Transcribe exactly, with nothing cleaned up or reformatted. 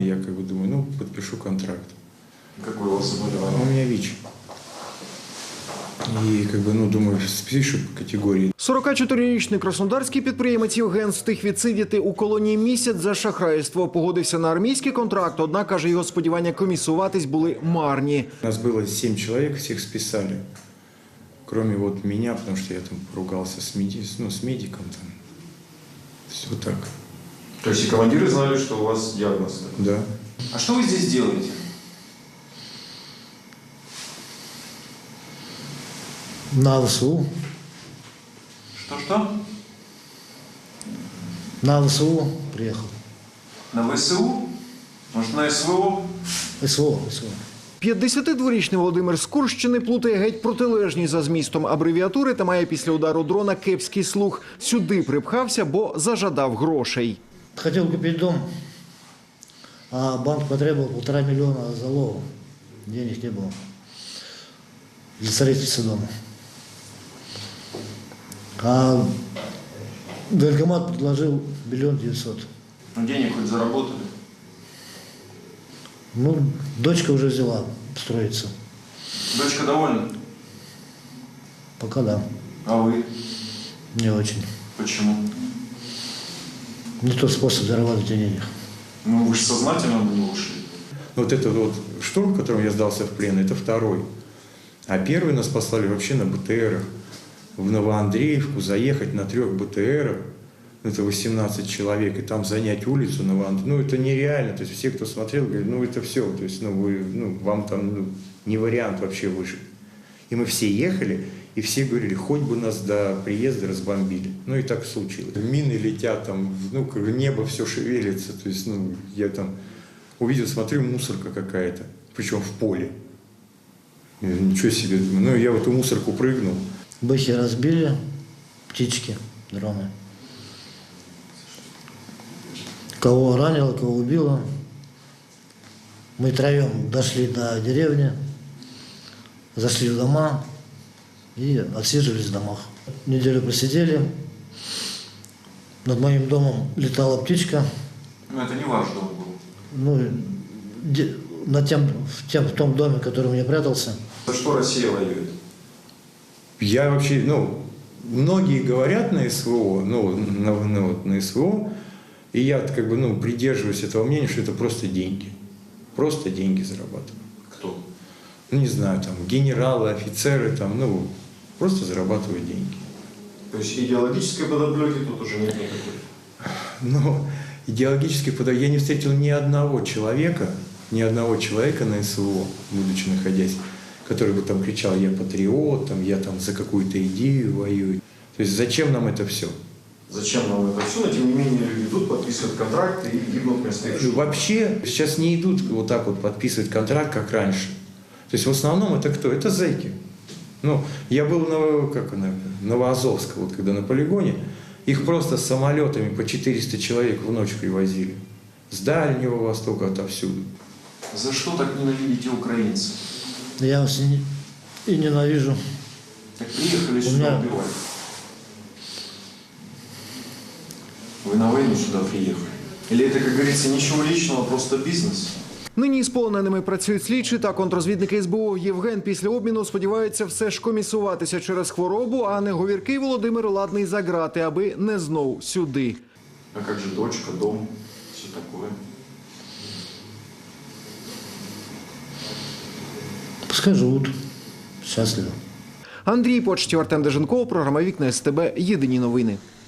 Я как бы думаю, ну, подпишу контракт. Какое у вас заболевание? У меня ВИЧ. І, как бы, ну, думаю, спишу по категорії. сорокачотирирічний краснодарський підприємець Євген встиг відсидіти у колонії місяць за шахрайство. Погодився на армійський контракт, однак, каже, його сподівання комісуватись були марні. Нас было семь человек, всех списали. Кроме вот меня, потому что я там поругался с, меди... ну, с медиком. Там. Все так. То есть и командиры знали, что у вас диагноз? Да. А что вы здесь делаете? На ВСУ. Что-что? На ВСУ приехал. На ВСУ? Может, на СВО? СВО, СВО. п'ятдесятидворічний Володимир з Курщини плутає геть протилежні за змістом абревіатури та має після удару дрона кепський слух. Сюди припхався, бо зажадав грошей. Хотел купить дом, а банк потребовал полтора миллиона залога. Денег не было для строительства дома. А военкомат предложил миллион девятьсот. Ну, денег хоть заработали? Ну, дочка уже взяла строиться. Дочка довольна? Пока да, А вы? не очень. Почему? Не тот способ заработать денег. Ну, вы же сознательно на него ушли. Вот этот вот штурм, в котором я сдался в плен, это второй. А первый нас послали вообще на БТРах. В Новоандреевку заехать на трех БТРах, это восемнадцать человек, и там занять улицу Новоандреевку. Ну, это нереально. То есть все, кто смотрел, говорят, ну, это все. То есть, ну, вы, ну, вам там ну, не вариант вообще выжить. И мы все ехали, и все говорили, хоть бы нас до приезда разбомбили. Ну, и так случилось. Мины летят, там, ну, как небо все шевелится. То есть, ну, я там увидел, смотрю, мусорка какая-то, причем в поле. Я, ничего себе, думаю. Ну, я в эту мусорку прыгнул. Бэхи разбили, птички, дроны. Кого ранило, кого убило. Мы троем дошли до деревни, зашли в дома и отсиживались в домах. Неделю просидели. Над моим домом летала птичка. Ну, это не ваш дом был. Ну, де- на тем, в, тем, в том доме, в котором я прятался. За что Россия воюет? Я вообще, ну, многие говорят на СВО, ну, на, на, вот, на СВО, и я как бы, ну, придерживаюсь этого мнения, что это просто деньги. Просто деньги зарабатывают. Кто? Ну, не знаю, там, генералы, офицеры, там, ну, просто зарабатывают деньги. То есть идеологической подоплеки тут уже нет никакой? Но идеологически, подо- я не встретил ни одного человека, ни одного человека на СВО, будучи находясь, который бы там кричал, я патриот, там, я там за какую-то идею воюю. То есть зачем нам это все? Зачем нам это все? Но тем не менее люди идут, подписывают контракты и гибнут вместо их жизни. Вообще сейчас не идут вот так вот подписывать контракт, как раньше. То есть в основном это кто? Это зэки. Ну, я был на, как, на Новоазовск, вот когда на полигоне, их просто самолетами по четыреста человек в ночь привозили. С Дальнего Востока, отовсюду. За что так ненавидите украинцев? Я вас и, не- и ненавижу. Так приехали У сюда меня- убивать. Вы на войну сюда приехали? Или это, как говорится, ничего личного, просто бизнес? Нині з полоненими працюють слідчі та контрозвідники СБУ. Євген після обміну сподівається все ж комісуватися через хворобу, а не говіркий Володимир ладний за грати, аби не знов сюди. А как же дочка, дом, все такое? Пускай живут счастливо. Андрій Почтів, Артем Деженков, програма «Вікна СТБ». Єдині новини.